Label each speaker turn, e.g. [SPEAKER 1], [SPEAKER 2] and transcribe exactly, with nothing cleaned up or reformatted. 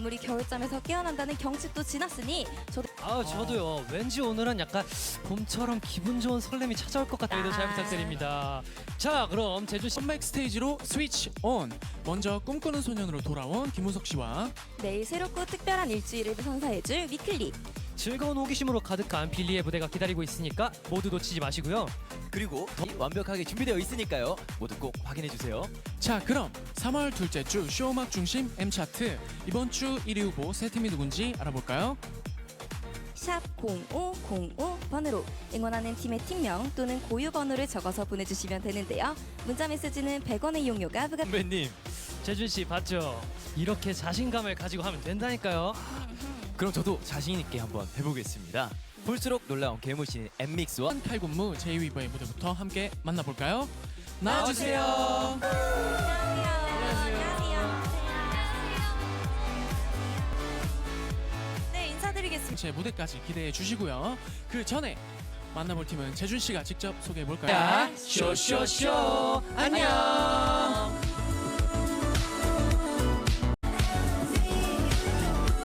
[SPEAKER 1] 동물이 겨울잠에서 깨어난다는 경칩도 지났으니 저도
[SPEAKER 2] 아 저도요. 왠지 오늘은 약간 봄처럼 기분 좋은 설렘이 찾아올 것 같아요. 잘 부탁드립니다. 자 그럼 제주 씨
[SPEAKER 3] 컴백 스테이지로 스위치 온. 먼저 꿈꾸는 소년으로 돌아온 김우석 씨와
[SPEAKER 1] 내일 새롭고 특별한 일주일을 선사해줄 위클리.
[SPEAKER 2] 즐거운 호기심으로 가득한 빌리의 무대가 기다리고 있으니까 모두 놓치지 마시고요.
[SPEAKER 4] 그리고 더 완벽하게 준비되어 있으니까요. 모두 꼭 확인해 주세요.
[SPEAKER 3] 자 그럼 삼월 둘째 주 쇼음악 중심 M차트 이번 주 일 위 후보 세 팀이 누군지 알아볼까요?
[SPEAKER 1] 샵 공오공오 번으로 응원하는 팀의 팀명 또는 고유 번호를 적어서 보내주시면 되는데요. 문자 메시지는 백 원의 이용료가 부과.
[SPEAKER 2] 선배님, 재준 씨 봤죠? 이렇게 자신감을 가지고 하면 된다니까요.
[SPEAKER 4] 그럼 저도 자신 있게 한번 해보겠습니다. 볼수록 놀라운 괴물신 엠믹스와
[SPEAKER 3] 칼군무 제이위버의 무대부터 함께 만나볼까요?
[SPEAKER 4] 나와주세요.
[SPEAKER 1] 안녕하세요. 네, 인사드리겠습니다.
[SPEAKER 3] 제 무대까지 기대해 주시고요. 그 전에 만나볼 팀은 재준 씨가 직접 소개해 볼까요?
[SPEAKER 4] 야, 쇼쇼쇼. 안녕.